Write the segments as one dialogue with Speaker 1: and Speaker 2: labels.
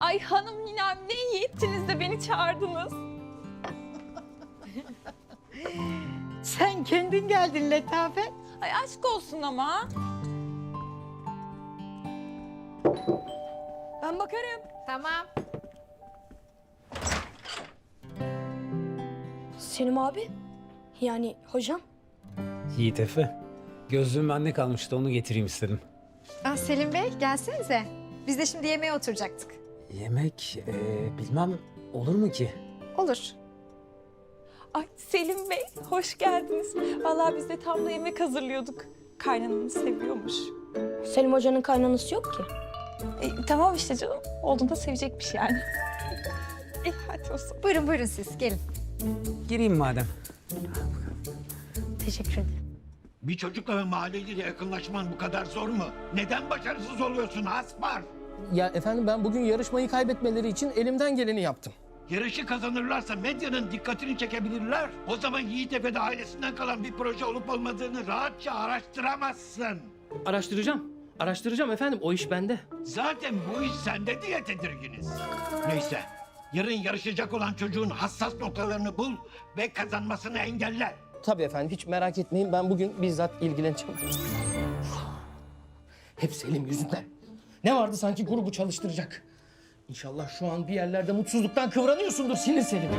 Speaker 1: Ay hanım ninem ne iyi ettiniz de beni çağırdınız.
Speaker 2: Sen kendin geldin Letafet.
Speaker 1: Ay aşk olsun ama. Ben bakarım.
Speaker 3: Tamam.
Speaker 4: Selim abi, yani hocam.
Speaker 5: Yiğit Efe. Gözlüğüm bende kalmıştı, onu getireyim istedim.
Speaker 3: Selim Bey gelsenize. Biz de şimdi yemeğe oturacaktık.
Speaker 5: Yemek, bilmem olur mu ki?
Speaker 3: Olur.
Speaker 1: Ay Selim Bey hoş geldiniz. Vallahi biz de tam da yemek hazırlıyorduk. Kaynananı seviyormuş.
Speaker 4: Selim hocanın kaynanası yok ki.
Speaker 1: Tamam işte canım. Olduğunda sevecekmiş yani. Hadi o zaman.
Speaker 3: Buyurun buyurun siz gelin.
Speaker 5: Gireyim madem.
Speaker 4: Teşekkür ederim.
Speaker 6: Bir çocukla ve mahalleliyle yakınlaşman bu kadar zor mu? Neden başarısız oluyorsun Aspar?
Speaker 7: Ya efendim ben bugün yarışmayı kaybetmeleri için elimden geleni yaptım.
Speaker 6: Yarışı kazanırlarsa medyanın dikkatini çekebilirler. O zaman Yiğit Efe'de ailesinden kalan bir proje olup olmadığını rahatça araştıramazsın.
Speaker 7: Araştıracağım efendim, o iş bende.
Speaker 6: Zaten bu iş sende diye tedirginiz. Neyse, yarın yarışacak olan çocuğun hassas noktalarını bul ve kazanmasını engelle.
Speaker 7: Tabii efendim, hiç merak etmeyin, ben bugün bizzat ilgileneceğim. Hep Selim yüzünden. Ne vardı sanki grubu çalıştıracak. İnşallah şu an bir yerlerde mutsuzluktan kıvranıyorsundur sinir Selim.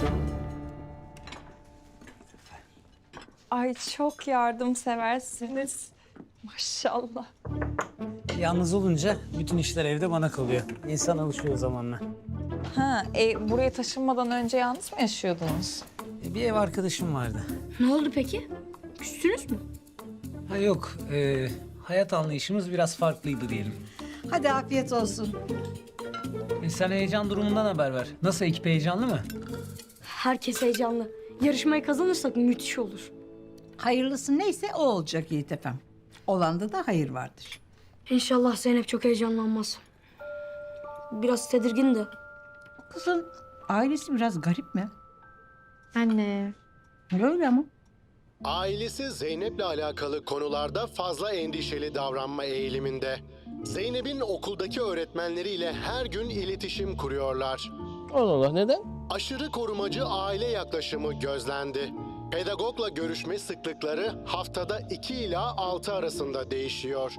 Speaker 1: Ay çok yardımseversiniz. Maşallah.
Speaker 5: Yalnız olunca bütün işler evde bana kalıyor. İnsan alışıyor zamanla.
Speaker 1: Ha, buraya taşınmadan önce yalnız mı yaşıyordunuz?
Speaker 5: Bir ev arkadaşım vardı.
Speaker 4: Ne oldu peki? Küstünüz mü?
Speaker 5: Ha yok, hayat anlayışımız biraz farklıydı diyelim.
Speaker 2: Hadi afiyet olsun.
Speaker 5: Sen heyecan durumundan haber ver. Nasıl, ekip heyecanlı mı?
Speaker 4: Herkes heyecanlı. Yarışmayı kazanırsak müthiş olur.
Speaker 2: Hayırlısı neyse o olacak Yiğit efem. Olanda da hayır vardır.
Speaker 4: İnşallah Zeynep çok heyecanlanmaz. Biraz tedirgin de.
Speaker 2: Kızın ailesi biraz garip mi?
Speaker 3: Anne.
Speaker 2: Öyle ama.
Speaker 8: Ailesi Zeynep'le alakalı konularda fazla endişeli davranma eğiliminde. Zeynep'in okuldaki öğretmenleriyle her gün iletişim kuruyorlar.
Speaker 7: Allah Allah, neden?
Speaker 8: Aşırı korumacı aile yaklaşımı gözlendi. Pedagogla görüşme sıklıkları haftada 2 ila 6 arasında değişiyor.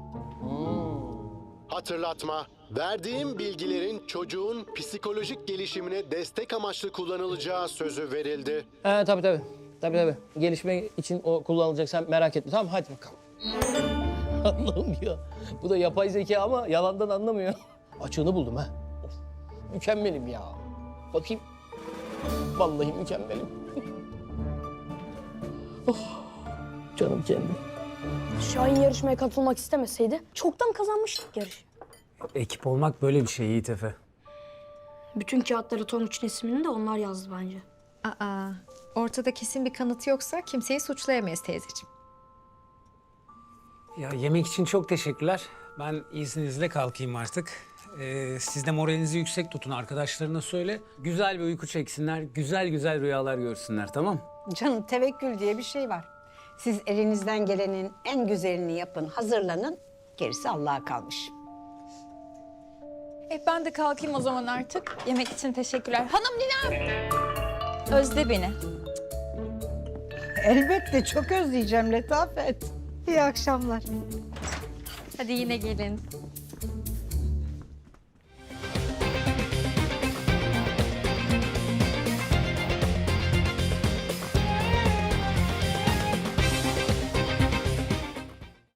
Speaker 8: Hatırlatma, verdiğim bilgilerin çocuğun psikolojik gelişimine destek amaçlı kullanılacağı sözü verildi.
Speaker 7: Tabii. Gelişme için o kullanılacak, sen merak etme. Tamam, hadi bakalım. Allah'ım ya. Bu da yapay zeka ama yalandan anlamıyor. Açığını buldum ha. Of, mükemmelim ya. Bakayım. Vallahi mükemmelim. Oh, canım kendim.
Speaker 4: Şahin yarışmaya katılmak istemeseydi çoktan kazanmıştık yarışı.
Speaker 5: Ekip olmak böyle bir şey Yiğit Efe.
Speaker 4: Bütün kağıtları Tonguç'un ismini de onlar yazdı bence.
Speaker 3: Ortada kesin bir kanıt yoksa kimseyi suçlayamayız teyzeciğim.
Speaker 5: Ya yemek için çok teşekkürler. Ben izninizle kalkayım artık. Siz de moralinizi yüksek tutun, arkadaşlarına söyle. Güzel bir uyku çeksinler, güzel güzel rüyalar görsünler, tamam?
Speaker 9: Canım tevekkül diye bir şey var. Siz elinizden gelenin en güzelini yapın, hazırlanın. Gerisi Allah'a kalmış.
Speaker 1: Ben de kalkayım o zaman artık. Yemek için teşekkürler. Hanım ninem. Özle beni.
Speaker 2: Elbette çok özleyeceğim Letafet.
Speaker 3: İyi akşamlar. Hadi yine gelin.